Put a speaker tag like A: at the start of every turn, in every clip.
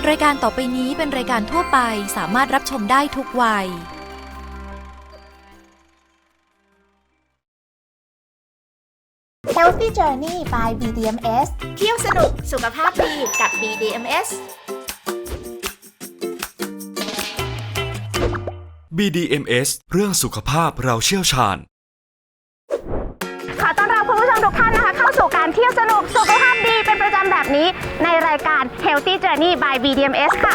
A: รายการต่อไปนี้เป็นรายการทั่วไปสามารถรับชมได้ทุกวัย
B: Healthy Journey by BDMS เที่ยวสนุกสุขภาพดีกับ BDMS
C: BDMS เรื่องสุขภาพเราเชี่ยวชาญ
B: ขอต้อนรับคุณผู้ชมทุกท่านนะคะเข้าสู่การเที่ยวสนุกสุขภาพดีเป็นประจำแบบนี้ในรายการ Healthy Journey by BDMS ค่ะ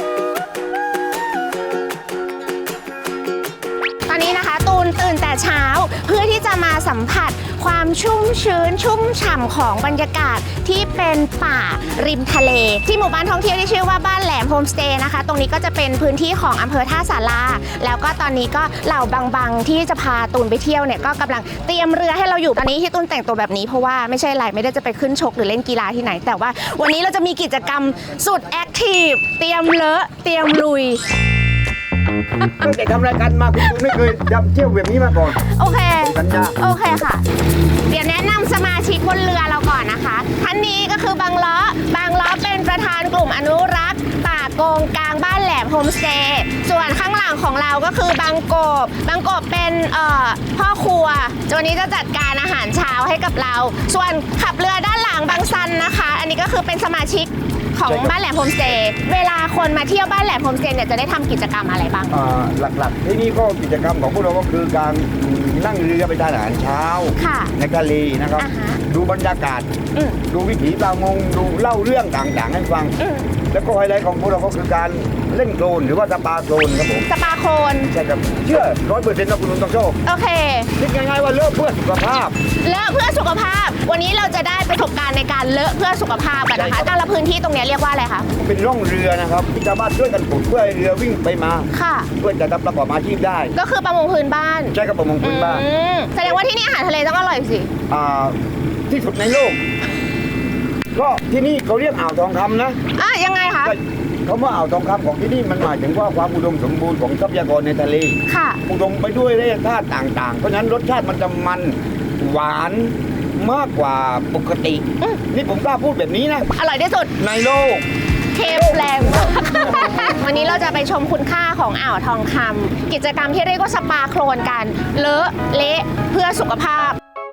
B: ตอนนี้นะคะตูนตื่นแต่เช้าเพื่อที่จะมาสัมผัสความชุ่มชื้นชุ่มฉ่ำของบรรยากาศที่เป็นป่าริมทะเลที่หมู่บ้านท่องเที่ยวที่ชื่อว่าบ้านแหลมโฮมสเตย์นะคะตรงนี้ก็จะเป็นพื้นที่ของอำเภอท่าสาราแล้วก็ตอนนี้ก็เหล่าบังที่จะพาตูนไปเที่ยวเนี่ยก็กำลังเตรียมเรือให้เราอยู่ตอนนี้ที่ตูนแต่งตัวแบบนี้เพราะว่าไม่ใช่อะไรไม่ได้จะไปขึ้นชกหรือเล่นกีฬาที่ไหนแต่ว่าวันนี้เราจะมีกิจกรรมสุดแอคทีฟเตรียมเลอะเตรียมลุย
D: ตั้งแต่ทำรายการมาคุณไม่เคยเที่ยวแบบนี้มาก่อน
B: โอเค
D: สัญญา
B: โอเคค่ะเดี๋ยวแนะนำสมาชิกบนเรือเราก่อนนะคะท่านนี้ก็คือบางล้อเป็นประธานกลุ่มอนุรักษ์ป่าโกงกลางบ้านแหลมโฮมสเตย์ส่วนข้างหลังของเราก็คือบางกบเป็นพ่อครัววันนี้จะจัดการอาหารเช้าให้กับเราส่วนขับเรือด้านหลังบางซันนะคะอันนี้ก็คือเป็นสมาชิกของบ้านแหลมโฮมสเตย์เวลาคนมาเที่ยวบ้านแหลมโฮมสเตย์เนี่ยจะได้ทำกิจกรรมอะไรบ้าง
D: หลักๆที่นี่ก็กิจกรรมของพวกเราก็คือการนั่งเรือไปทานอาหารเช้าในทะเลนะครับดูบรรยากาศดูวิถีประมงดูเล่าเรื่องต่างๆให้ฟังแล้วก็ไฮไลท์ของพวกเราก็คือการเล่นโคลนหรือว่าสปาโคลนครับผม
B: สปาโคลน
D: ใช่ครับเชื่อ100%นะคุณลุงต้องโชค
B: โอเค
D: คิดง่ายๆว่าเลอะเพื่อสุขภาพ
B: เลอะเพื่อสุขภาพวันนี้เราจะได้ประสบการณ์ในการเลอะเพื่อสุขภาพกันนะคะแต่ละพื้นที่ตรงนี้เรียกว่าอะไรคะ
D: เป็นร่องเรือนะครับที่ชาวบ้านช่วยกันขุดเพื่อให้เรือวิ่งไปมา
B: ค่ะ
D: เพื่อจะประกอบอาชีพได้
B: ก็คือประมงพื้นบ้าน
D: ใช่ครับประมงพื้นบ้าน
B: แสดงว่าที่นี่อาหารทะเลต้องอร่อยสิ
D: ที่สุดในโลกก็ที่นี่เขาเรียกอ่าวทองคำนะ
B: ยังไงคะ
D: คำว่าอ่าวทองคำของที่นี่มันหมายถึงว่าความอุดมสมบูรณ์ของทรัพยากรในทะเล
B: ค่ะ
D: อุดมไปด้วยแร่ธาตุต่างๆเพราะฉะนั้นรสชาติมันจะมันหวานมากกว่าปกตินี่ผมกล้าพูดแบบนี้นะ
B: อร่อยที่สุด
D: ในโลก
B: เค็มแรงวันนี้เราจะไปชมคุณค่าของอ่าวทองคำกิจกรรมที่เรียกว่าสปาโคลนกันเลอะเละเพื่อสุขภาพ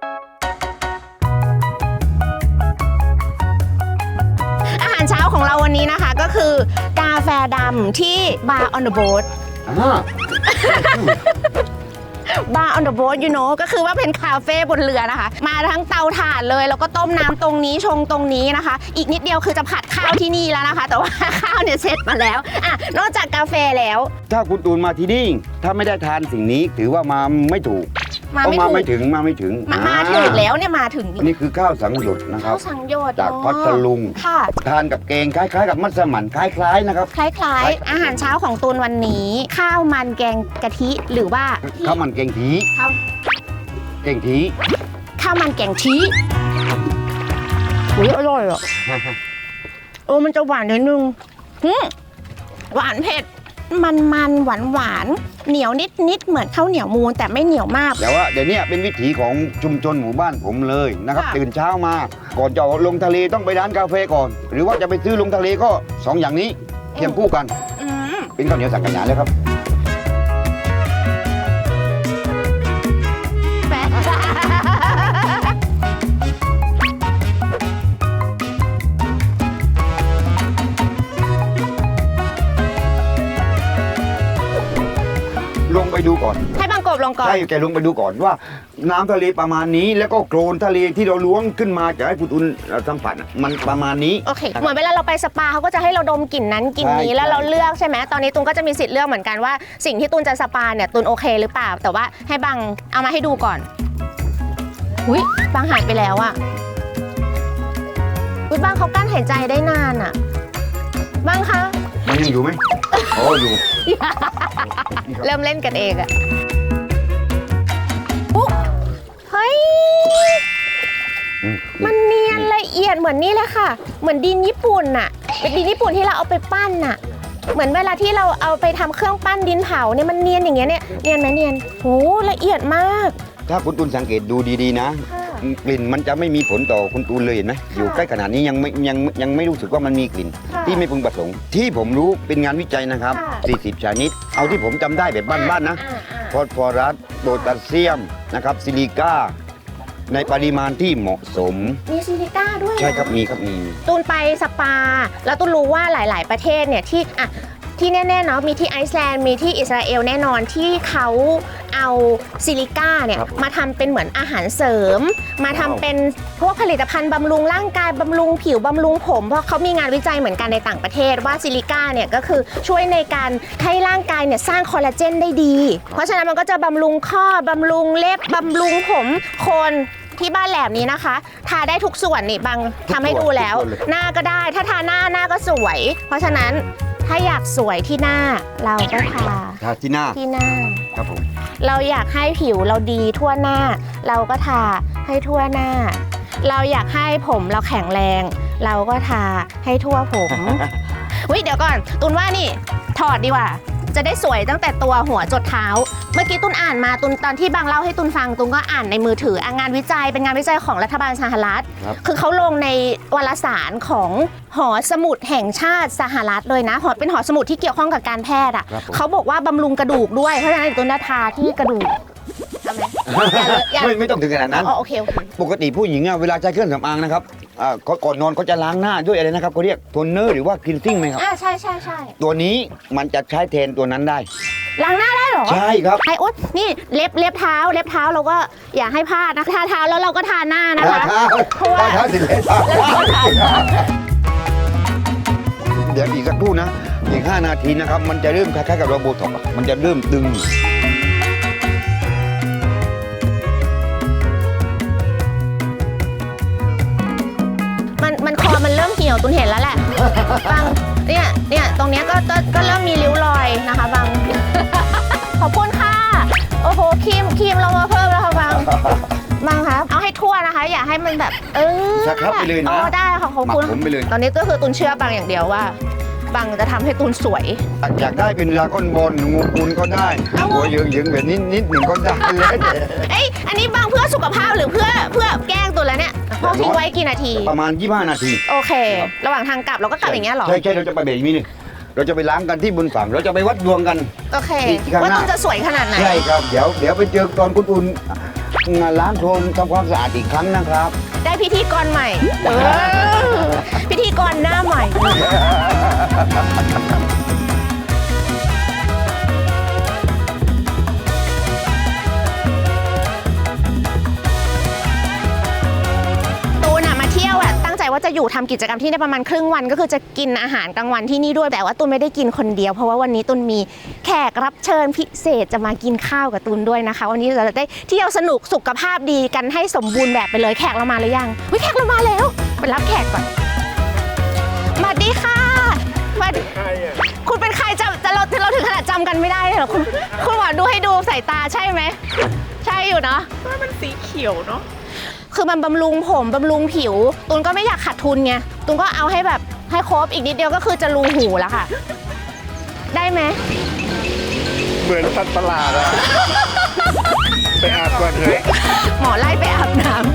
B: อาหารเช้าของเราวันนี้นะคะก็คือกาแฟดำที่ Bar on the Boat Bar on the Boat you know ก็คือว่าเป็นคาเฟ่บนเรือนะคะมาทั้งเตาถ่านเลยแล้วก็ต้มน้ำตรงนี้ชงตรงนี้นะคะอีกนิดเดียวคือจะผัดข้าวที่นี่แล้วนะคะแต่ว่าข้าวเนี่ยเสร็จมาแล้วนอกจากกาแฟแล้ว
D: ถ้าคุณตูนมาที่นี่ถ้าไม่ได้ทานสิ่งนี้ถือว่ามาไม่ถูกมาไม่ถึง
B: มาถึงแล้วเนี่ยมาถึง
D: นี่คือข้าวสังหยดนะครับ
B: ข้าวสังหยด
D: จากพัทลุงทานกับแกงคล้ายๆกับมัสมั่นคล้ายๆนะครับ
B: คล้ายๆอาหารเช้าของตูนวันนี้ข้าวมันแกงกะทิหรือว่า
D: ข้าวมันแกงทีข้าว
B: มันแกงทีอร่อยอ่ะมันจะหวานนิดนึงหวานเผ็ดมันหวานเหนียวนิดเหมือนข้าวเหนียวมูนแต่ไม่เหนียวมาก
D: แต่ว่าเดี๋ยวนี้เป็นวิถีของชุมชนหมู่บ้านผมเลยนะครับตื่นเช้ามาก่อนจะลงทะเลต้องไปร้านกาแฟก่อนหรือว่าจะไปซื้อลงทะเลก็2อย่างนี้เคียงคู่กันเป็นข้าวเหนียวสังขยาเลยครับลงไปดูก่อน
B: ให้บางกบลงก่อน
D: ใช่แกลงไปดูก่อนว่าน้ำทะเลประมาณนี้แล้วก็โคลนทะเลที่เราล้วงขึ้นมาจะให้คุณตุนสัมผัสมันประมาณนี้
B: โอเคเหมือนเวลาเราไปสปาเขาก็จะให้เราดมกลิ่นนั้นกลิ่นนี้แล้วเราเลือกใช่ไหมตอนนี้ตุนก็จะมีสิทธิ์เลือกเหมือนกันว่าสิ่งที่ตุนจะสปาเนี่ยตุนโอเคหรือเปล่าแต่ว่าให้บางเอามาให้ดูก่อนบางหายไปแล้วอะบางเขากั้นหายใจได้นานอะบางคะ
D: มันยังอยู่ไหมอยู่
B: เริ่มเล่นกันเองอะปุ๊บเฮ้ยมันเนียนละเอียดเหมือนนี่เลยค่ะเหมือนดินญี่ปุ่นอะเป็นดินญี่ปุ่นที่เราเอาไปปั้นอะเหมือนเวลาที่เราเอาไปทำเครื่องปั้นดินเผาเนี่ยมันเนียนอย่างเงี้ยเนี่ยเนียนไหมเนียนโหละเอียดมาก
D: ถ้าคุณตุนสังเกตดูดีๆนะกลิ่นมันจะไม่มีผลต่อคุณตูนเลยเห็นไหมอยู่ใกล้ขนาดนี้ยังไม่รู้สึกว่ามันมีกลิ่น ที่ไม่พึงประสงค์ที่ผมรู้เป็นงานวิจัยนะครับ 40 ชนิด เอาที่ผมจำได้แบบบ้านๆนะฟอสฟอรัสโพแทสเซียมนะครับซิลิก้าในปริมาณที่เหมาะสม
B: มีซิลิก้าด้วย
D: ใช่ครับมีครับมี
B: ตูนไปสปา แล้วตูนรู้ว่าหลาย ๆ ประเทศเนี่ยที่แน่ๆเนาะมีที่ไอซ์แลนด์มีที่อิสราเอลแน่นอนที่เขาเอาซิลิก้าเนี่ยมาทำเป็นเหมือนอาหารเสริม มาทำเป็นพวกผลิตภัณฑ์บำรุงร่างกายบำรุงผิวบำรุงผมเพราะเขามีงานวิจัยเหมือนกันในต่างประเทศว่าซิลิก้าเนี่ยก็คือช่วยในการให้ร่างกายเนี่ยสร้างคอลลาเจนได้ดี เพราะฉะนั้นมันก็จะบำรุงข้อบำรุงเล็บบำรุงผมคนที่บ้านแหลมนี้นะคะ ทาได้ทุกส่วนนี่บางทำให้ดูแล้ว หน้าก็ได้ถ้าทาหน้าก็สวย เพราะฉะนั้นถ้าอยากสวยที่หน้าเราก็ทา
D: ที่หน้า ครับผม
B: เราอยากให้ผิวเราดีทั่วหน้า เราก็ทาให้ทั่วหน้า เราอยากให้ผมเราแข็งแรง เราก็ทาให้ทั่วผม วิเดี๋ยวก่อนตุนว่านี่ถอดดีกว่า จะได้สวยตั้งแต่ตัวหัวจดเท้า เมื่อกี้ตุนอ่านมาตุนตอนที่บางเล่าให้ตุนฟังตุนก็อ่านในมือถืองานวิจัยเป็นงานวิจัยของรัฐบาลสหรัฐ คือเขาลงในวารสารของหอสมุดแห่งชาติสหรัฐเลยนะเป็นหอสมุดที่เกี่ยวข้องกับการแพทย์อ่ะเขาบอกว่าบำรุงกระดูกด้วยเพราะฉะนั้นตุนทาที่กระดูกทำไหม
D: ไม่ต้องถึงขนาดนั้น
B: โอเค
D: ปกติผู้หญิงเวลาใช้เครื่องสำอางนะครับก่อนนอนเขาจะล้างหน้าด้วยอะไรนะครับเขาเรียกโทนเนอร์หรือว่าคลีนซิ่งไหมครับ
B: ใช่
D: ตัวนี้มันจะใช้แทนตัวนั้นได้
B: ล้างหน้าได้เหรอ
D: ใช่ครับ
B: ไอ้อุ๊ดนี่เล็บเท้าเราก็อย่าให้พลาดนะทาเท้าแล้วเราก็ทาหน้านะคะเพราะว่า
D: เท้าสิเดี๋ยวอีกสักครู่นะอีก5 นาทีนะครับมันจะเริ่มคล้ายๆกับโรโบท็อกมันจะเริ่มดึง
B: มันคอมันเริ่มเหี่ยวตุนเห็นแล้วแหละบางเนี่ยตรงเนี้ยก็เริ่มมีริ้วรอยนะคะบางขอบคุณค่ะโอ้โหครีมเรามาเพิ่มแล้วค่ะบางครับเอาให้ทั่วนะคะอย่าให้มันแบบ
D: ชักครับไปเลยนะ
B: ได้ค่ะขอบคุณตอนนี้ก็คือตุนเชื่อบางอย่างเดียวว่าบางจะทำให้ตุนสวย
D: อยากได้เป็นลาก้อนบอลงูปูนก็ได้หัวเยืองแบบนิดหนึ่งก็ได้เลย
B: อันนี้บางเพื่อสุขภาพหรือเพื่อแกล้งตัวแล้วเนี่ยพอทิ้งไว้กี่นาที
D: ประมาณ25 นาที
B: โอเคระหว่างทางกลับเราก็กลับอย่างเงี้ยหรอ
D: ใช่เราจะไปเบรกนี้นึงเราจะไปล้างกันที่บนฝั่งเราจะไปวัดดวงกัน
B: โอเคว่าตุนจะสวยขนาดไหน
D: ใช่ครับเดี๋ยวไปเจอตอนคุณอุ่นล้างโคลนทำความสะอาดอีกครั้งนะครับ
B: ได้พิธีกรใหม่พิธีกรหน้าใหม่ว่าจะอยู่ทำกิจกรรมที่ได้ประมาณครึ่งวันก็คือจะกินอาหารกลางวันที่นี่ด้วยแต่ว่าตุนไม่ได้กินคนเดียวเพราะว่าวันนี้ตุนมีแขกรับเชิญพิเศษจะมากินข้าวกับตุนด้วยนะคะวันนี้เราจะได้เที่ยวสนุกสุขภาพดีกันให้สมบูรณ์แบบไปเลยแขกเรามาหรือยังแขกเรามาแล้วไปรับแขกก่อนสวัสดีค่ะคุณเป็นใครเราถึงขนาดจำกันไม่ได้เลยเหรอคุณหมอดูให้ดูสายตาใช่ไหมใช่อยู่เนาะ
E: มันสีเขียวเนาะ
B: คือมันบำรุงผมบำรุงผิวตุนก็ไม่อยากขาดทุนไงตุนก็เอาให้แบบให้ครบอีกนิดเดียวก็คือจะรูหูแล้วค่ะได้ไหม
E: เหมือนสัตว์ประหลาดอะไปอาบก่อนเถอะ
B: หมอไล่ไปอาบน้ำ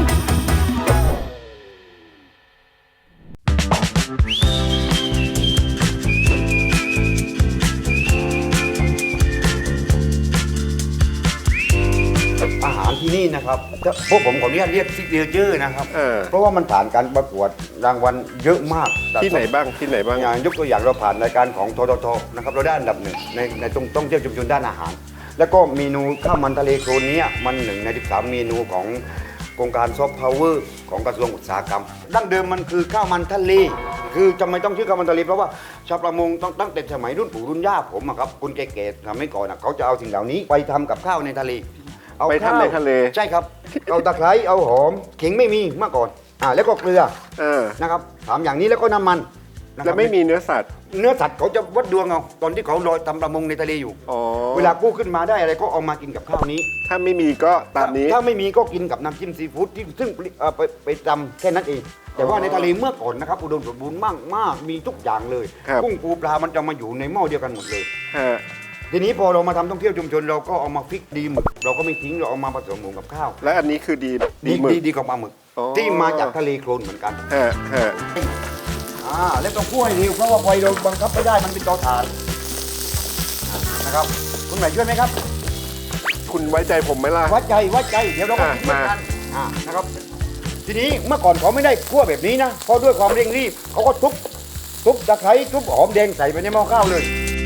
D: อาหารที่นี่นะครับพวกผมขออนุญาตเรียกซิกเนเจอร์นะครับเพราะว่ามันผ่านการประกวดรางวัลเยอะมาก
E: ที่ไหนบ้าง
D: อย่างยกตัวอย่างเราผ่านรายการของททนะครับเราได้อันดับ1ในต้องเที่ยวชุมชนด้านอาหารแล้วก็เมนูข้าวมันทะเลโคลนนี้มัน1 ใน 13 เมนูของโครงการซอฟต์พาวเวอร์ของกระทรวงอุตสาหกรรมดั้งเดิมมันคือข้าวมันทะเลคือจำไม่ต้องชื่อข้าวมันทะเลเพราะว่าชาวประมงตั้งแต่สมัยรุ่นปู่รุ่นย่าผมครับคุณแก่ๆทำให้ก่อนเขาจะเอาสิ่งเหล่านี้ไปทำกับข้าวในทะเล
E: ไปทำในทะเล
D: ใช่ครับเอาตะไคร้เอาหอมขิงไม่มีเมื่อก่อนแล้วก็เกลือนะครับ3 อย่างนี้แล้วก็น้ำมัน
E: แล้วไม่มีเนื้อสัตว์
D: เขาจะวัดดวงเอาตอนที่เขาลอยทำประมงในทะเลอยู่เวลากู้ขึ้นมาได้อะไรก็เอามากินกับข้าวนี้
E: ถ้าไม่มีก็ตามนี้
D: ถ้าไม่มีก็กินกับน้ำจิ้มซีฟู้ดที่ซึ่งไปทำแค่นั้นเองแต่ว่าในทะเลเมื่อก่อนนะครับอุดมสมบูรณ์มากมีทุกอย่างเลยกุ้งปูปลามันจะมาอยู่ในหม้อเดียวกันหมดเลยทีนี้พอเรามาทำท่องเที่ยวชุมชนเราก็เอามาฟิกดีหมึกเราก็ไม่ทิ้งเราเอามาผสมหมูกับข้าว
E: และอันนี้คือดีหมึก
D: ดีกว่าปลาหมึก
E: อ๋อ
D: ที่มาจากทะเลโคลนเหมือนกัน
E: ฮะฮะ
D: แล้วต้องคั่วให้เร็วเพราะว่าไฟเราบังคับไม่ได้มันเป็นเตาถ่านนะครับคุณไหนช่วยไหมครับ
E: คุณไว้ใจผมไหมล่ะ
D: วัดใจเดี๋ยวเราก็คิดเหมือนกันนะครับทีนี้เมื่อก่อนเขาไม่ได้คั่วแบบนี้นะเพราะด้วยความเร่งรีบเขาก็ทุบตะไคร้ทุบหอมแดงใส่ไปในหม้อข้าวเลย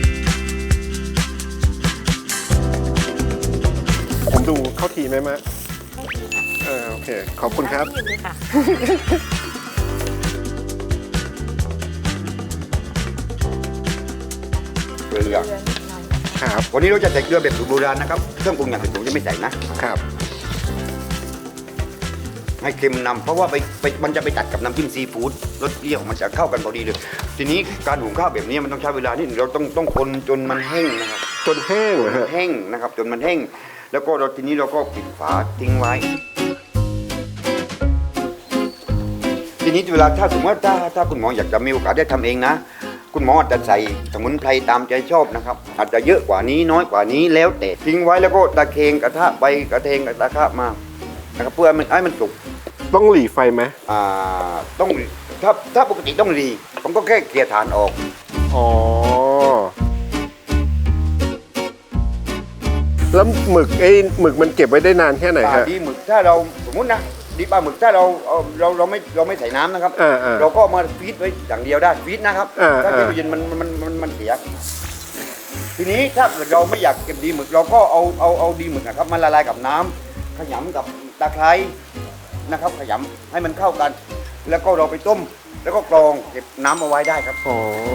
E: ผมดูเข้าทีไหมมะโอเค ขอบคุณครับ
D: เกลือ
E: ครับ
D: วันนี้เราจะใส่เกลือแบบสูตรโบราณนะครับเครื่องปรุงอย่างอื่นผมจะไม่ใส่นะครับ ให้เค็มนำเพราะว่ามันจะไปตัดกับน้ำจิ้มซีฟู้ดรสเปรี้ยวมันจะเข้ากันพอดีเลยทีนี้การหุงข้าวแบบนี้มันต้องใช้เวลานิดนึงเราต้องคนจนมันแห้งนะครับ
E: จนแห้งเหรอฮะ
D: แห้งนะครับจนมันแห้งแล้วก็ทีนี้เราก็ปิดฝาทิ้งไว้ ทีนี้เวลาถ้าสมมติว่าถ้าคุณหมออยากจะมีโอกาสได้ทำเองนะคุณหมออาจจะใส่สมุนไพรตามใจชอบนะครับอาจจะเยอะกว่านี้น้อยกว่านี้แล้วแต่ทิ้งไว้แล้วก็ตะเคงกระทะไปกระเทงกระทะมานะครับเพื่อให้มันสุก
E: ต้องหลีไฟไหม
D: ต้องถ้าปกติต้องรีผมก็แค่เกลี่ยฐานออก
E: อ๋อ แล้วหมึกมันเก็บไว้ได้นานแค่ไหนฮะ
D: ดีหมึกถ้าเราสมมุตินะดีปลาหมึกถ้าเราไม่ใส่น้ำนะครับ
E: อ่า
D: เราก็เอามาฟีดไว้อย่างเดียวได้ฟีดนะครับ ถ้าเก็บไว้เย็นมันเสียทีนี้ถ้าเกิดเราไม่อยากเก็บดีหมึกเราก็เอาดีหมึกนะครับมาละลายกับน้ำขยำกับตะไคร้นะครับขยำให้มันเข้ากัน แล้วก็เราไปต้มแล้วก็กรองเก็บน้ำเอาไว้ได้ครับ
E: อ๋อ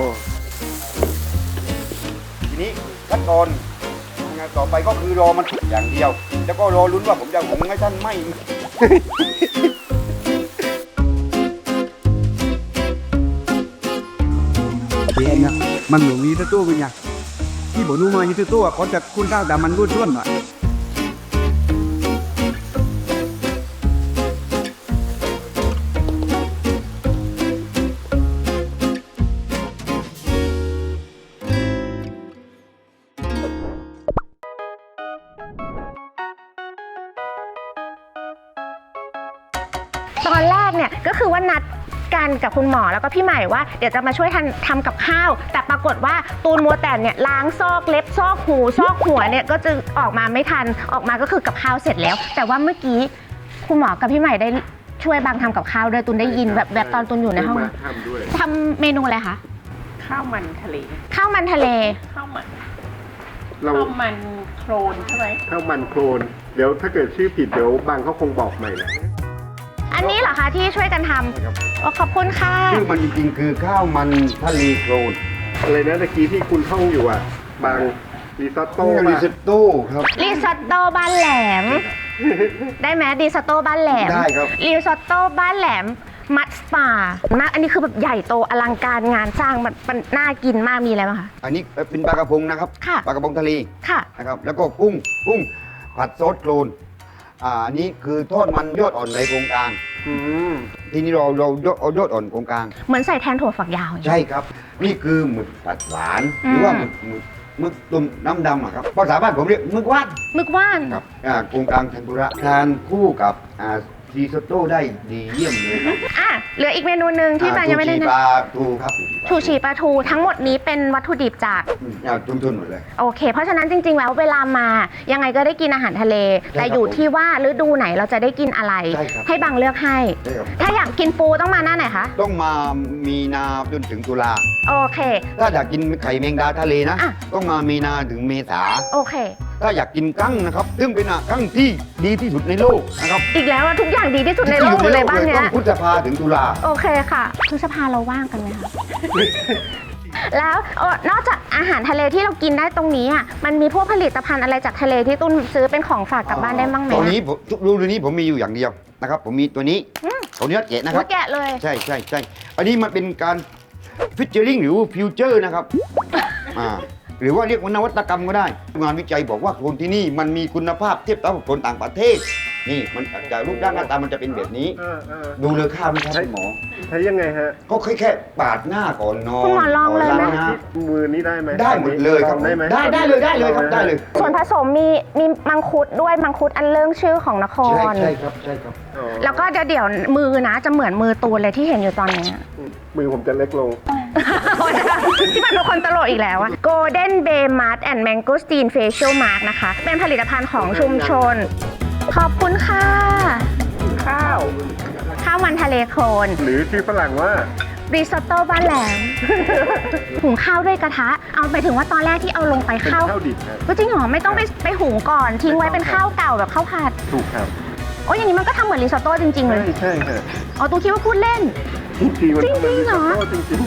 D: ทีนี้ขั้นตอนงานต่อไปก็คือรอมันสุกอย่างเดียว แล้วก็รอลุ้นว่าผมจะหุงให้ท่านไม่
F: เองนะมันหลงนี้ตัวเป็นไงที่บอกนู้มาอยู่ตัวเขาจะคุณข้าวแต่มันรุ่นร่วนหน่อย
B: ตอนแรกเนี่ยก็คือว่านัดกันกับคุณหมอแล้วก็พี่ใหม่ว่าเดี๋ยวจะมาช่วยทำกับข้าว แต่ปรากฏว่าตูนมัวแต่เนี่ยล้างซอกเล็บซอกหูซอกหัวเนี่ยก็จะออกมาไม่ทันออกมาก็คือกับข้าวเสร็จแล้ว แต่ว่าเมื่อกี้คุณหมอกับพี่ใหม่ได้ช่วยบางทำกับข้าวด้วยตูนได้ยินแบบตอนตูนอยู่ในห้อง
E: ทำด้วย
B: ทำเมนูอะไรคะ
G: ข้าวมันทะเล
B: ข้าวมันทะเล
G: ข้าวมัน
E: เรา
G: ข้าวมันโครนใช่ไหม
E: ข้าวมันโคลน เดี๋ยวถ้าเกิดชื่อผิดเดี๋ยวบางเขาคงบอกใหม่แหละ
B: อันนี้เหรอคะที่ช่วยกันทำโอ้ขอบคุณค่ะ
D: ชื่อมันจริงๆคือข้าวมันทะเลโคลน
E: อะไรนะตะกี้ที่คุณท่องอยู่อ่ะ บางรีซอตโต้
D: ริ
E: ป่ะ
D: ซอตโต้ครับ
B: ริซอตโต้บ้านแหลม ได้ไหมริซอตโต้บ้านแหลม
D: ได้ครับ
B: ริซอตโต้บ้านแหลมมัดสปามากอันนี้คือแบบใหญ่โตอลังการงานสร้างมันน่ากินมากมีอะไรบ้างคะ
D: อันนี้เป็นปลากระพงนะครับ
B: ค่ะ
D: ปลากระพงทะเล
B: ค่ะ
D: นะครับแล้วก็กุ้งผัดซอสโคลนอันนี้คือทอดมันยอดอ่อนในโครงกลาง
E: อืม
D: ทีนี้เราเอายอดอ่อนโครงกลาง
B: เหมือนใส่แทนถั่วฝักยาวอย่างเงี้ย
D: ใช่ครับ นี่คือหมึกผัดหวานหรือว่าหมึกตุ่มน้ำดำอะครับภาษาบ้านผมเรียกหมึกว่าน
B: มึกว่าน
D: ครับโครงกลางเทมปุระทานคู่กับซีโซโต้ได้ดีเยี่ยมเลยครับ
B: อ่ะเหลืออีกเมนูหนึ่งที่บางยังไม่ได้
D: ชูชี
B: นะ
D: ปลาทูครับ
B: ชูชีปลาทูทั้งหมดนี้เป็นวัตถุดิบจาก
D: ทุนหมดเลย
B: โอเค เพราะฉะนั้นจริงๆ แล้วเวลามายังไงก็ได้กินอาหารทะเล แต่อยู่ที่ว่าฤดูไหนเราจะได้กินอะไร
D: ใช่ครับ
B: ให้บางเลือกให้
D: ใช่ครับ
B: ถ้าอยากกินปูต้องมาหน้าไหนคะ
D: ต้องมามีนาจนถึงตุลา
B: โอเค
D: ถ้าอยากกินไข่แมงดาทะเลนะ
B: อ่ะ
D: ต้องมามีนาถึงเมษา
B: โอเค
D: ถ้าอยากกินกั้งนะครับซึ่งเป็นกั้งที่ดีที่สุดในโลกนะครับ
B: อีกแล้วอะทุกอย่างดีที่สุดในโลกเลยบ้านเนี้
D: ต้
B: ย
D: องพฤษภาถึงตุลา
B: โอเคค่ะพฤษภาเราว่างกันไหมคะ แล้วนอกจากอาหารทะเลที่เรากินได้ตรงนี้อ่ะมันมีพวกผลิตภัณฑ์อะไรจากทะเลที่ตุ้นซื้อเป็นของฝากกลับบ้านได้บ้างไหม
D: ตอนนี้ผมรูนี้ผมมีอยู่อย่างเดียวนะครับ ผมมีตัวนี้ตัวนี้แกะนะครับ
B: แกะเลย
D: ใช่อันนี้มันเป็นการฟิชเจอริงหรือฟิวเจอร์นะครับ หรือว่าเรียกว่านวัตกรรมก็ได้ งานวิจัยบอกว่าโคลนที่นี่มันมีคุณภาพเทียบเท่ากับโคลนต่างประเทศนี่มันจากรูปร่างหน้าตามันจะเป็นแบบนี้ ดูเลยข้าวไหมครับคุณหมอ
E: ใช้ยังไงฮะ
D: ก็แค่ปาดหน้าก่อนนอน
B: คุณหมอลองเลยไหม
D: ก่นางหน้า
E: มือนี้ได้ไหม
D: ได้หมดเลยครับ
E: ได้ไหม
D: ได้เลยครับได้เลย
B: ส่วนผสมมีมังคุดด้วยมังคุดอันเรื่องชื่อของนคร
D: ใช่ครับใช่ครับ
E: อ๋อ
B: แล้วก็เดี๋ยวมือนะจะเหมือนมือตูนเลยที่เห็นอยู่ตอนนี้
E: มือผมจะเล็กลง
B: ที่มันเป็นคนตลกอีกแล้วอะ Golden Bay Mud and Mangosteen Facial Mask นะคะ เป็นผลิตภัณฑ์ของชุมชน ขอบคุณค่ะ
G: ข้าว
B: ข้าวมันทะเลโคลน
E: หรือชื่อฝรั่งว่า
B: ริซอตโต้บ้านแหลม หุงข้าวด้วยกระทะ เอาไปถึงว่าตอนแรกที่เอาลงไป
E: เป็น
B: ข้าว
E: ข้าวดิบครับ
B: ก็จริงเหรอไม่ต้องไปหุงก่อนทิ้งไว้เป็นข้าวเก่าแบบข้าวผัด
E: ถูกครับ
B: โอ้ยอย่างนี้มันก็ทำเหมือนริซอตโต้จริงๆเลย
E: ใช่ฮะ
B: อ๋อตูคิดว่าพูดเล่น
E: จริงๆมัน
B: จริงๆเหรอ
E: จริง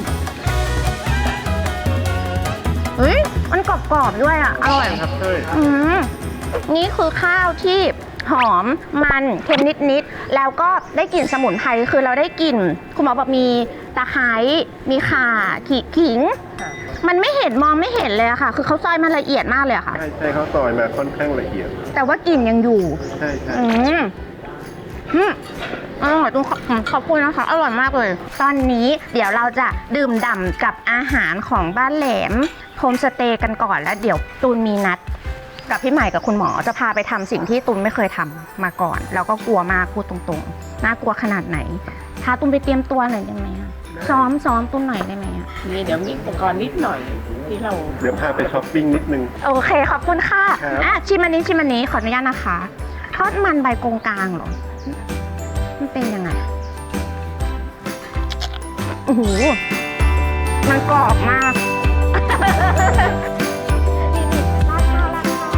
B: เฮ้ยมันกรอบๆด้วยอ่ะอร่อย
E: ๆครับใช่
B: นี่คือข้าวที่หอมมันเค็มนิดๆแล้วก็ได้กลิ่นสมุนไพรคือเราได้กลิ่นคุณหมอบอกมีตะไคร้มีข่าขิง มันไม่เห็นมองไม่เห็นเลยอะค่ะ คือเขาซอยมันละเอียดมากเลยอะค่ะ
E: ใช่ใช่เขาซอยมาค่อนข้างละเอียด
B: แต่ว่ากลิ่นยังอยู่
E: ใช่ใช่
B: อืมอร่อยขอบคุณนะคะ อร่อยมากเลย ตอนนี้เดี๋ยวเราจะดื่มด่ำกับอาหารของบ้านแหลมโฮมสเตย์กันก่อนแล้วเดี๋ยวตูนมีนัด กับพี่ใหม่กับคุณหมอจะพาไปทำสิ่งที่ตูนไม่เคยทำมาก่อน แล้วก็กลัวมากพูดตรงๆน่ากลัวขนาดไหนพาตูนไปเตรียมตัวหน่อยได้ไหมอะซ้อมตูนหน่อยได้ไหมอะ
G: นี่เดี๋ยวมีอุปกรณ์นิดหน่อยที่เรา
E: เดี๋ยวพาไปช้อปปิ้งนิดนึง
B: โอเคขอบคุณค่ะ
E: ครับ
B: ชิมอันนี้ขออนุญาตนะคะทอดมันใบกงกลางเหรอมันเป็นยังไงโอ้โหมันกรอบมากราดข้าว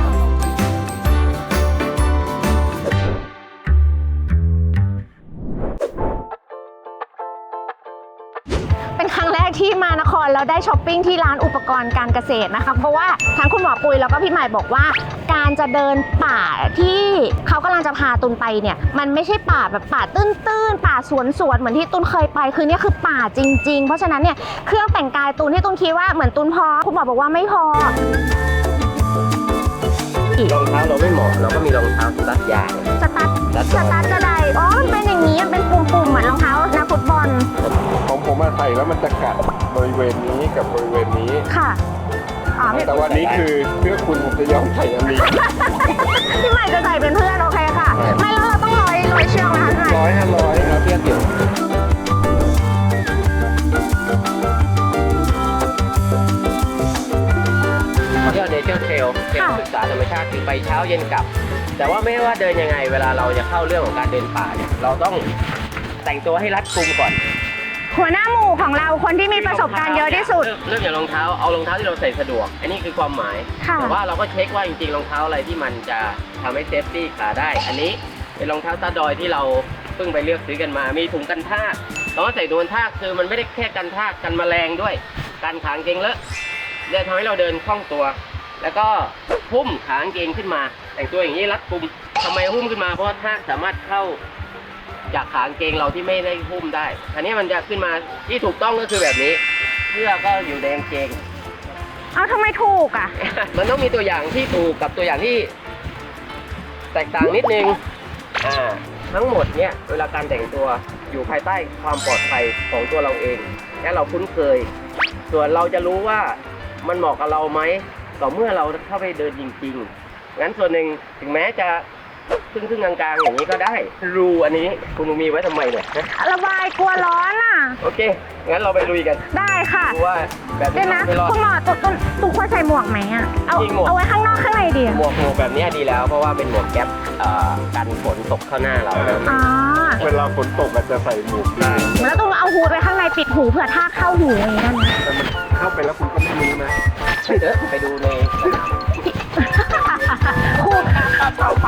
B: เป็นครั้งแรกที่มานครแล้วได้ช้อปปิ้งที่ร้านอุปกรณ์การเกษตรนะคะเพราะว่าทั้งคุณหมอปุยแล้วก็พี่ใหม่บอกว่า การจะเดินป่าที่เขากำลังจะพาตุนไปเนี่ยมันไม่ใช่ป่าแบบป่าตื้นๆป่าสวนเหมือนที่ตุนเคยไปคือเนี่ยคือป่าจริงๆเพราะฉะนั้นเนี่ยเครื่องแต่งกายตุนที่ตุนคิดว่าเหมือนตุนพอคุณหมอบอกว่าไม่พอ
H: รองเท้าเราไม่เหมาะเราก็มีรองเท้ารัดยาง
B: สตาร์ทกระไดอ๋อมันเป็นอย่างนี้มันเป็นปุ่มๆเหมือนรองเท้านักฟุตบอล
E: ของผมมาใส่แล้วมันจะกัดบริเวณนี้กับบริเวณนี้
B: ค่ะอ๋อ
E: แต่วันนี้คือเพื่อคุณผมจะยอมใส่อันนี้
B: พี่ใหม่จะใส่เป็นเพื่อนโอเคค่ะไม่แล้วเราต้องร้อยเชือกไหมคะพี่ใหม่
E: 100-500ครับ
H: เทียบอยู่เที่ยวเนเจอร์เทรลเป็นศึกษาธรรมชาติคือไปเช้าเย็นกลับ แต่ว่าไม่ว่าเดินยังไงเวลาเราจะเข้าเรื่องของการเดินป่าเนี่ยเราต้องแต่งตัวให้รัดกุมก่อน
B: หัวหน้าหมู่ของเราคนที่มีประสบการณ์เยอะที่สุด
H: เริ่มจากรองเท้าเอารองเท้าที่เราใส่สะดวก อันนี้คือความหมาย
B: ค่ะ
H: แต่ว่าเราก็เช็คว่าจริงๆรองเท้าอะไรที่มันจะทำให้เซฟตี้ขาได้ อันนี้เป็นรองเท้าตาดอยที่เราเพิ่งไปเลือกซื้อกันมา มีถุงกันทากเราก็ใส่ถุงกันทากคือมันไม่ได้แค่กันทากกันแมลงด้วยกันขางเกงเลอะเนี่ยทำให้เราเดินคล่องตัว แล้วก็หุ้มขางเกงขึ้นมา แต่งตัวอย่างนี้รัดกุมทำไมหุ้มขึ้นมาเพราะว่าทากสามารถเข้าจากขางเกงเราที่ไม่ได้หุ้มได้อันนี้มันจะขึ้นมาที่ถูกต้องก็คือแบบนี้เสื้อก็อยู่ในกางเกง
B: เอาทำไมถูกอ่ะ
H: มันต้องมีตัวอย่างที่ถูกกับตัวอย่างที่แตกต่างนิดนึงทั้งหมดเนี่ยเวลาการแต่งตัวอยู่ภายใต้ความปลอดภัยของตัวเราเองและเราคุ้นเคย ส่วนเราจะรู้ว่ามันเหมาะกับเราไหมต่อเมื่อเราเข้าไปเดินจริงๆงั้นส่วนหนึ่งถึงแม้จะครึ่งกลางๆอย่างนี้ก็ได้รูอันนี้คุณมีไว้ทำไมเนี่ย
B: ระบายกลัวร้อนอ่ะ
H: โอเคงั้นเราไปลุยกัน
B: ได้ค่ะ
H: ดูว่าแบบ
B: เดี๋
H: นี้
B: ยวนะ
H: ไม่รอด
B: คุณหมอตุ๊กควรใส่หมวกไหมอ่ะเอา
H: จริงหมวก
B: เอาไว้ข้างนอกข้างในดีอะ
H: หมวกแบบนี้ดีแล้วเพราะว่าเป็นหมวกแก๊ปกันฝนตกเข้าหน้าเราแล้ว
B: อ๋อ
E: เวลาฝนตกอาจจะใส่หมวกได้
B: แล้วต้องเอาฮูดไว้ข้างในปิดหูเผื่อท่ากเข้าหูอย่างนี้ได้ไหม
E: แต่มันเข้าไปแล้วคุณก็ไม่รู้นะ
H: เดี๋ยวไปดูในสนาม
B: คู่เข้าไป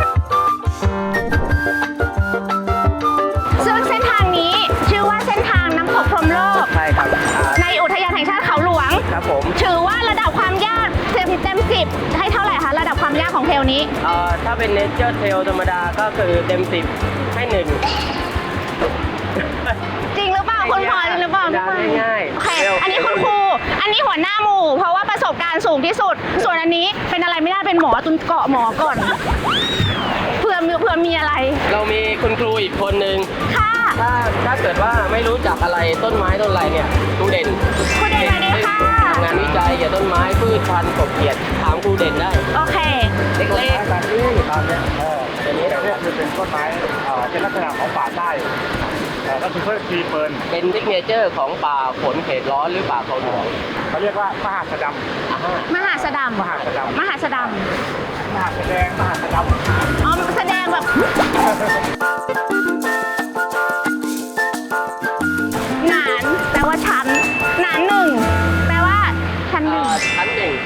B: ซึ่งเส้นทางนี้ชื่อว่าเส้นทางน้ำตกพรหมโลก
H: ใช่ครับ
B: ในอุทยานแห่งชาติเขาหลวง
H: ครับผม
B: ถือว่าระดับความยากเต็ม10ให้เท่าไหร่คะระดับความยากของเทรลนี้
H: ถ้าเป็นเนเจอร์เทลธรรมดาก็คือเต็ม10ให้1
B: จริงหรือเปล่าคุณพอจริงหรือเปล่าพี่พล
H: ง่ายๆ
B: โอเคอันนี้คุณครูอันนี้หัวหน้าหมู่เพราะว่าประสบการณ์สูงที่สุด ส่วนอันนี้เป็นอะไรไม่ได้เป็นหมอตุนเกาะหมอก่อนเผื่อเผื่อมีอะไร
H: เรามีคุณครูอีกคนนึง
B: ค่ะ
H: ถ้าเกิดว่าไม่รู้จักอะไรต้นไม้ต้นอะไรเนี่ยครูเด่น
B: ครูเด่นสวัสดีค่ะ
H: ทำงานวิจัยเกี่ยวกับต้นไม้พืชพันธุ์กบเขียดถามครูเด่นได้
B: โอเค
H: เล็ก
D: แบบนี้ตามเนี้ยอันนี้เนี่ยคือเป็นต้นไม้เป็นลักษณะของป่าใต้ก็คือเพื่อทีเปิล
H: ๆเป็นซิกเนเจอร์ของป่าฝนเขตร้อนหรือป่าเขาหลวง
D: เขาเรียกว่ามหาสะด
B: มหาสะดำ
D: มหาสะดำ
B: มหาสะด
D: ำมหาแสดงมหาสะดำ
B: ำอ๋อแสดงแบบหนานแปลว่าชั้นหนานหนึ่งแปลว่าชั้นหนึ่ง
H: ชั้นหนึ่ง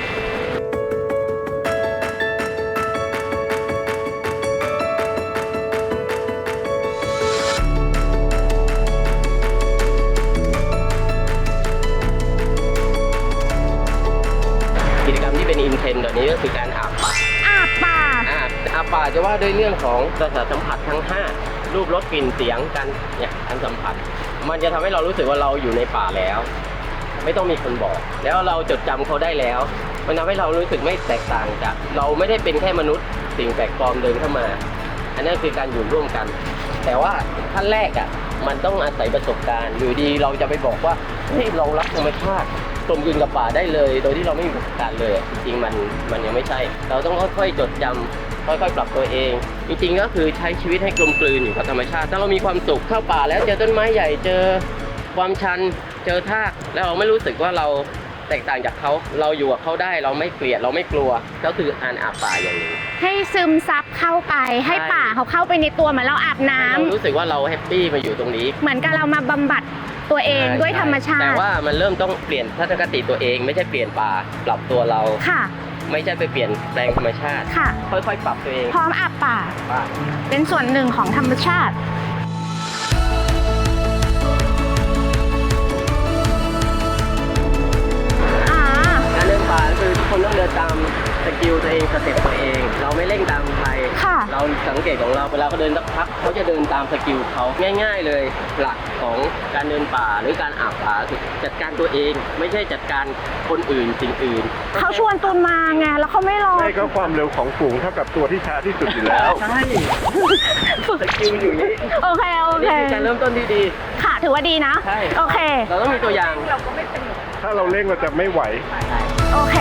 H: กิจกรรมที่เป็นอินเทรนด์เดี๋ยวนี้ก็คือการอาบป่า
B: อาบป่า
H: อาบป่าจะว่าด้วยเรื่องของประสาทสัมผัสทั้ง 5 รูปรสกลิ่นเสียงกันเนี่ยการสัมผัส มันจะทำให้เรารู้สึกว่าเราอยู่ในป่าแล้ว ไม่ต้องมีคนบอก แล้วเราจดจำเขาได้แล้ว มันทำให้เรารู้สึกไม่แตกต่างจากเราไม่ได้เป็นแค่มนุษย์สิ่งแปลกปลอมเดินเข้ามา อันนั้นคือการอยู่ร่วมกัน แต่ว่าขั้นแรกมันต้องอาศัยประสบการณ์อยู่ดีเราจะไปบอกว่าเฮ้ยเรารักธรรมชาติกลมกลืนกับป่าได้เลย โดยที่เราไม่มีประสบการณ์เลยจริงๆมันยังไม่ใช่ เราต้องค่อยๆจดจำค่อยๆปรับตัวเอง จริงๆก็คือใช้ชีวิตให้กลมกลืนอยู่กับธรรมชาติถ้าเรามีความสุขเข้าป่าแล้วเจอต้นไม้ใหญ่เจอความชันเจอทากแล้วเราไม่รู้สึกว่าเราแตกต่างจากเขาเราอยู่กับเขาได้เราไม่เกลียดเราไม่กลัวก็คือการอาบป่าอย่างหนี้
B: ให้ซึมซับเข้าไป ให้
H: ใช่
B: ป่าเขาเข้าไปในตัวเหมือนเราอาบน้ำ
H: เรารู้สึกว่าเราแฮปปี้มาอยู่ตรงนี้
B: เหมือนกับเรามาบำบัดตัวเองด้วยธรรมชาติ
H: แต่ว่ามันเริ่มต้องเปลี่ยนทัศนคติตัวเอง ไม่ใช่เปลี่ยนป่าปรับตัวเรา
B: ค่ะ
H: ไม่ใช่ไปเปลี่ยนแปลงธรรมชาติ
B: ค่ะ
H: ค่อยๆปรับตัวเอง
B: พร้อมอาบป่า เป็นส่วนหนึ่งของธรรมชาติ อ่า
H: การเดินป่าคือทุกคนต้องเดินตามสกิลตัวเองสเต็ปตัวเอง เราไม่เร่งตามใคร
B: ค่ะ
H: เราสังเกตของเราเวลาเขาเดินสักพักเขาจะเดินตามสกิลเขาง่ายๆเลยหลักของการเดินป่าหรือการอาบป่าคือจัดการตัวเอง ไม่ใช่จัดการคนอื่นสิ่งอื่น
B: เขาชวนตูนมาไง แล้วเขาไม่รอ
E: ไม่ก็ความเร็วของฝูงเท่ากับตัวที่ช้าที่สุดอยู่แล้ว
H: ใช่สกิลอยู่อย่างนี้
B: โอเค โอเค
H: นี่คือการเริ่มต้นที่ดี
B: ค่ะ ถือว่าดีนะ
H: ใช่
B: โอเค
H: เราต้องมีตัวอย่าง
E: ถ้าเราเร่งเราจะไม่ไหว
B: โอเค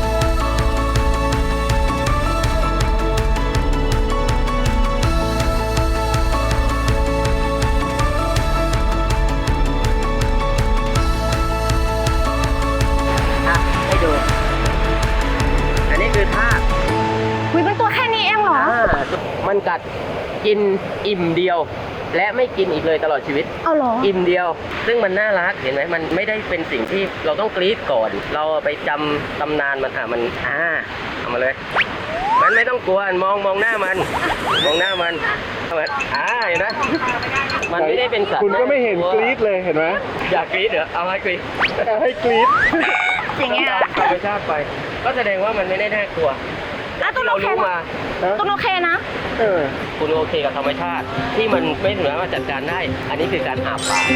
H: ให้ดู อันนี้คือท่า
B: วิเป็นตัวแค่นี้เองเหรอ
H: มันกัดกินอิ่มเดียว และไม่กินอีกเลยตลอดชีวิต
B: เอาเหรอ
H: อิ่มเดียว ซึ่งมันน่ารักเห็นไหมมันไม่ได้เป็นสิ่งที่เราต้องกรี๊ดก่อน เราไปจำตำนานมันเอามาเลย มันไม่ต้องกลัวมองหน้ามัน มองหน้ามันเอามาเห็นไหมมันไม่ได้เป็นสัตว์
E: คุณก็ไม่เห็นกรี๊ดเลยเห็นไหม
H: อยากกรี๊ดเหรอเอาให้กรี๊ด
E: ให้กรี๊ด
B: อย่างเงี้ย
H: ธรรมชาติไป ก็แสดงว่ามันไม่ได้น่ากลัว
B: แล้วตูน
H: เรา
B: โอเค
H: รู้
B: นะ
H: มา
B: ตูนโอเคนะ
E: เออ
H: คุณโอเคกับธรรมชาติ ที่มันไม่สามารถจัดการได้ อันนี้คือการอาบป่า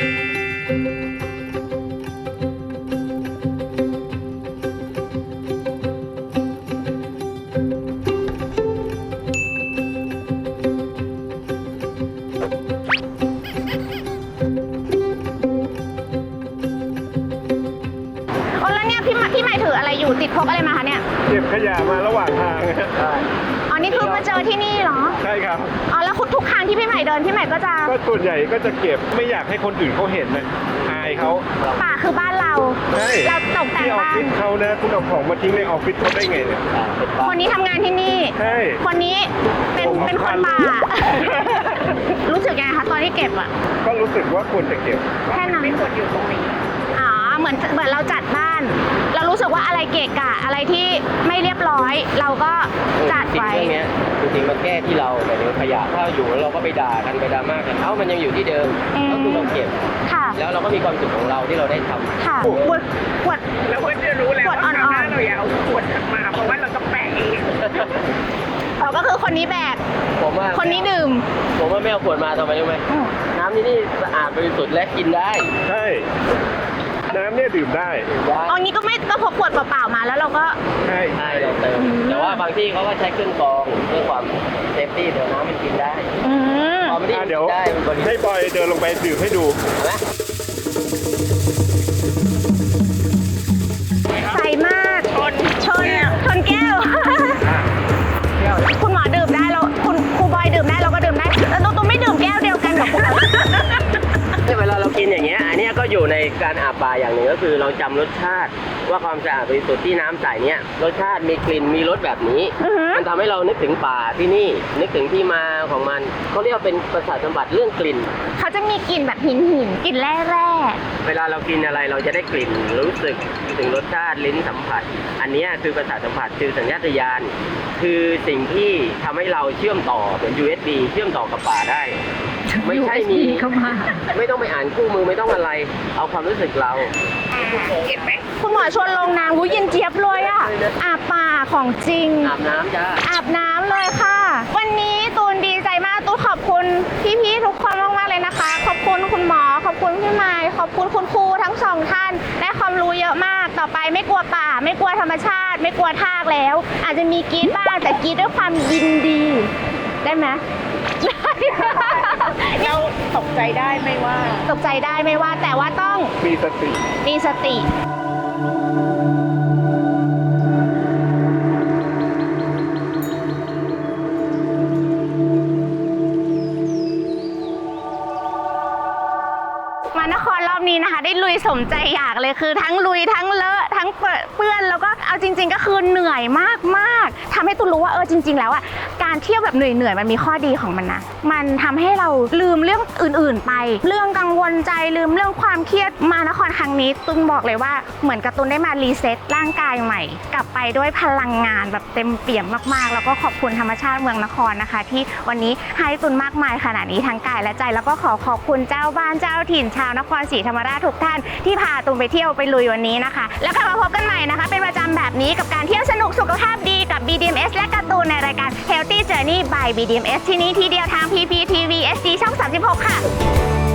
B: โอ้แล้วเนี่ยพี่ใหม่ถืออะไรอยู่ติดพกอะไรมาคะเนี่ย
E: เก็บขยะมาระหว่างทาง
B: อ๋อ นี่เพิ่งมาเจอที่นี่เหรอ
E: ใช่ครับ
B: อ๋อ แล้วทุกครั้งที่พี่ใหม่เดินพี่ใหม่ก็จะ
E: ก็ส่วนใหญ่ก็จะเก็บไม่อยากให้คนอื่นเขาเห็นนะอายเขา
B: ป่าคือบ้านเรา
E: ใช่
B: เราตกแต่ง
E: ที่ออฟ
B: บ้า
E: ฟิ
B: น
E: ศเขานะคุณเอาของมาทิ้งในออฟฟิศเขาได้ไงเนี่ย
B: คนนี้ทำงานที่นี่
E: ใช่
B: คนนี้เป็นคนป่า รู้สึกยังไงคะตอนที่เก็บอะ
E: ก็รู้สึกว่าควรจะเก็บ
B: แค่นั้นไม่ควรอยู่ตรงนี้อ๋อ เหมือนเราจัดบ้าน เรารู้สึกว่าอะไรเกะกะอะไรที่ไม่เรียบร้อย เราก็จัด
H: สิ่ง
B: ไว้
H: พวกเนี้ยจริงๆมันแก้ที่เราแต่ขยะถ้าอยู่แล้วเราก็ไปด่ากันไปดราม่ากันมันยังอยู่ที่เดิม ก็คือเราเก็บ
B: ค่ะ
H: แล้วเราก็มีความสุขของเราที่เราได้ทำ
B: ค่ะขวด
G: แล้วก็จะรู้แล้ว
B: ขวด
G: ว่า
B: อ่
G: คราวห
B: อ
G: น้าน เราอย่าเอาขวดมาเพราะว่าเราจะแปะเอง
B: ๆเราก็คือคนนี้แบก
H: ผมว่า
B: คนนี้ดื่ม
H: ผมว่าไม่เอาขวดมาทำไมรู้ไหมน้ำที่นี่สะอาดบริสุทธิ์และกินได้
E: ใช่ น้ำเนี่ยดื่มได้
B: เอางี้ก็ไม่ก็พกขวดเปล่าๆมาแล้วเราก็
E: ใช่
H: ใช่เราเติมแต่ว่าบางที่เขาก็ใช้เครื่องกรองเพื่อความเซฟตี้เดี๋ยวน้ำมันกินได้
B: อืม
H: พอไม่ได้
E: เดี๋ยว
H: ได้มันบริสุท
E: ให้
H: ธิ์
E: บอยเดินลงไปดื่มให้ดู
H: ไหม
B: ใสมากชนแก้ว คุณหมอดื่มได้แล้วคุณครูบอยดื่มได้เราก็ดื่มได้แต่ตัวไม่ดื่มแก้วเดียวกันกับคุณหมอ
H: เวลาเรากินอย่างเงี้ยอันเนี้ยก็อยู่ในการอาบปลาอย่างหนึ่งก็คือเราจำรสชาติว่าความสะอาดบริสุทธิ์ที่น้ำใสเนี้ยรสชาติมีกลิ่นมีรสแบบนี้ มันทำให้เรานึกถึงป่าที่นี่นึกถึงที่มาของมันเขาเรียกว่าเป็นประสาทสัมผัสเรื่องกลิ่น
B: เขาจะมีกลิ่นแบบหินกลิ่นแร่
H: เวลาเรากินอะไรเราจะได้กลิ่นรู้สึกถึงรสชาติลิ้นสัมผัส อันเนี้ยคือประสาทสัมผัสคือสัญชาตญาณคือสิ่งที่ทำให้เราเชื่อมต่อเหมือน USB เชื่อมต่อกับป่าได้ ไม่ใช่มีไม่ต้องไปอ่านคู่มือไม่ต้องอะไร เอาความรู้สึกเรา
B: ๆคุณหมอชวนลงน้ำเย็นเจี๊ยบเลยอ่ะอาบป่าของจริง
H: อาบน้ำจ้า
B: อาบน้ำเลยค่ะ วันนี้ตูนดีใจมากตูนขอบคุณพี่ๆทุกคนมากๆเลยนะคะ ขอบคุณคุณหมอขอบคุณพี่ไมค์ขอบคุณคุณครูทั้งสองท่านได้ความรู้เยอะมากต่อไปไม่กลัวป่า ไม่กลัวธรรมชาติ ไม่กลัวทากแล้ว อาจจะมีกรี๊ดบ้างแต่กรี๊ดด้วยความยินดีได้ไหมเราตกใจได้ไม่ว่าตกใจได้ไม่ว่าแต่ว่าต้อง
E: มีสติ
B: มีสติ มานครรอบนี้นะคะ ได้ลุยสมใจอยากเลยคือทั้งลุยทั้งเลอะทั้งเปื้อนแล้วก็เอาจริง ๆ ก็คือเหนื่อยมากๆทำให้ตูนรู้ว่าจริง ๆ แล้วอ่ะการเที่ยวแบบเหนื่อยมันมีข้อดีของมันนะมันทำให้เราลืมเรื่องอื่นๆไป เรื่องกังวลใจลืมเรื่องความเครียดมานครครั้งนี้ตูนบอกเลยว่าเหมือนกับตูนได้มารีเซ็ตร่างกายใหม่ กลับไปด้วยพลังงานแบบเต็มเปี่ยมมากๆแล้วก็ขอบคุณธรรมชาติเมืองนครนะคะ ที่วันนี้ให้ตูนมากมายขนาดนี้ทั้งกายและใจแล้วก็ขอบคุณเจ้าบ้านเจ้าถิ่นชาวนครศรีธรรมราชทุกท่านที่พาตูนไปเที่ยวไปลุยวันนี้นะคะแล้วกลับมาพบกันใหม่นะคะเป็นประจำแบบนี้กับการเที่ยวสนุกสุขภาพดีกับ BDMS และการ์ตูนในรายการ Healthy Journey by BDMS ที่นี่ที่เดียวทาง PPTV SD ช่อง 36 ค่ะ